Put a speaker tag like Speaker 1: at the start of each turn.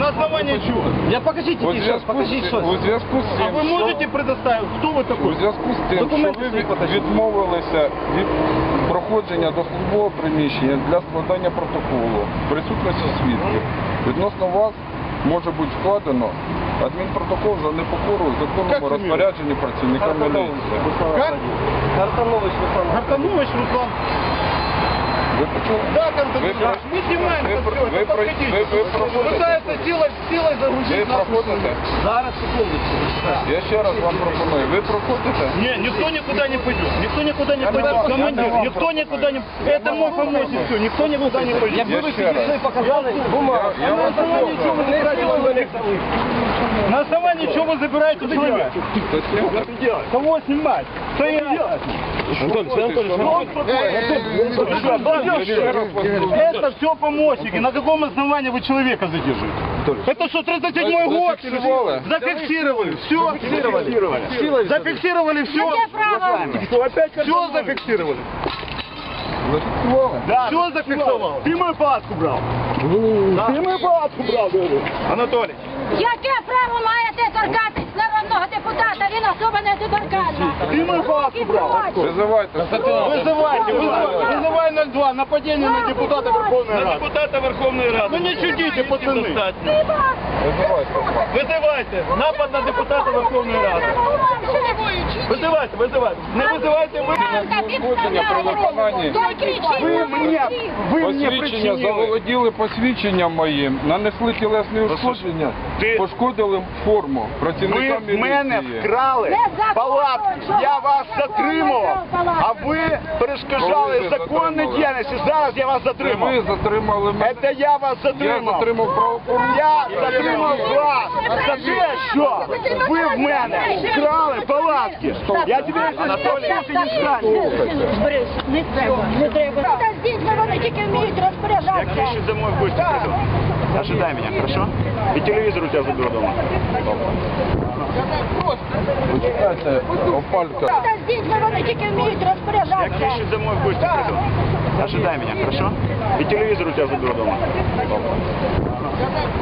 Speaker 1: На основании чего?
Speaker 2: Я покажите,
Speaker 3: У
Speaker 2: сейчас, покажите, что.
Speaker 3: у зв'язку з
Speaker 1: А
Speaker 3: тим,
Speaker 1: вы
Speaker 3: що...
Speaker 1: можете предоставить? Кто вы
Speaker 3: У
Speaker 1: такой?
Speaker 3: зв'язку з тим, що
Speaker 2: Документи
Speaker 3: ви
Speaker 2: свої покажіть.
Speaker 3: відмовилися від проходження до службового приміщення для складання протоколу в присутності свідків, відносно вас може бути складено адмінпротокол за непокору
Speaker 1: Як
Speaker 3: законному
Speaker 1: фамілія?
Speaker 3: розпорядженні працівника міліції.
Speaker 1: Как?
Speaker 2: Картанович Руслан.
Speaker 1: Гартанович Руслан.
Speaker 3: Ви почули?
Speaker 1: Да, Константин, мы снимаем это все, это подходите. Пытается силой загрузить
Speaker 3: Ви
Speaker 1: нас.
Speaker 3: проходите?
Speaker 2: Зараз, секундочку.
Speaker 3: Я ще раз вам пропоную. Ви проходите?
Speaker 1: Не, никто никуда не пойдет. Никто никуда не пойдет. Командир, никто никуда не... Это мой помощник, все. Никто никуда не пойдет.
Speaker 2: Якби ви
Speaker 3: ще раз.
Speaker 2: підійшли, показали бумагу.
Speaker 3: Я вас
Speaker 1: На основании чего вы забираете человека? На основании чего вы забираете человека? Кого снимать? Стоять! Это все помощники. На каком основании вы человека задерживаете? Это что, 37-й год?
Speaker 3: Зафиксировали?
Speaker 1: Зафиксировали. Все. Зафиксировали все. Что, опять все зафиксировали?
Speaker 3: Зафіксували?
Speaker 1: Да. Все зафиксовал. Ты мою палатку брал. Ты мою палатку брал, Анатолий.
Speaker 4: Яке право маєте торкатись народного депутата? Він особа не доторканна.
Speaker 1: Ти мою палатку брав.
Speaker 3: Визивайте.
Speaker 1: Вызывай 02. Нападение на депутата Верховной Рады. На депутата Верховной Рады. Ну не чудите, пацаны.
Speaker 3: Визивайте.
Speaker 1: Вызывайте. Напад на депутата Верховної Ради. Вызывайте. Не вызывайте ви.
Speaker 3: Узгодження про виконання.
Speaker 1: Ви мені
Speaker 3: Посвідчення
Speaker 1: причинили.
Speaker 3: заволоділи посвідченням моїм, нанесли тілесні ушкодження, пошкодили форму працівника
Speaker 1: Ви в мене
Speaker 3: міліції.
Speaker 1: вкрали палатку, я вас затримував, а ви перешкоджали
Speaker 3: Коли ви
Speaker 1: законній
Speaker 3: затримали?
Speaker 1: діяльності. Зараз я вас
Speaker 3: Це
Speaker 1: затримав.
Speaker 3: ви затримали мене.
Speaker 1: Це я вас
Speaker 3: Я
Speaker 1: затримав.
Speaker 3: затримав правопорушення.
Speaker 1: Я затримав вас за те, що ви в мене вкрали палатки. Я тебе Анатолій, ти не станеш.
Speaker 4: Борис, не треба, не треба. Та з дітьми вони тільки вміють
Speaker 1: Я
Speaker 4: розпоряджатися.
Speaker 1: Крещу домой в гости приду. Ожидай меня, хорошо? И телевизор у тебя заберу дома.
Speaker 3: Почекайте, опалька.
Speaker 4: Та з дітьми вони тільки вміють
Speaker 1: Я
Speaker 4: розпоряджатися.
Speaker 1: Крещу домой в гости приду. Ожидай меня, хорошо? И телевизор у тебя заберу дома.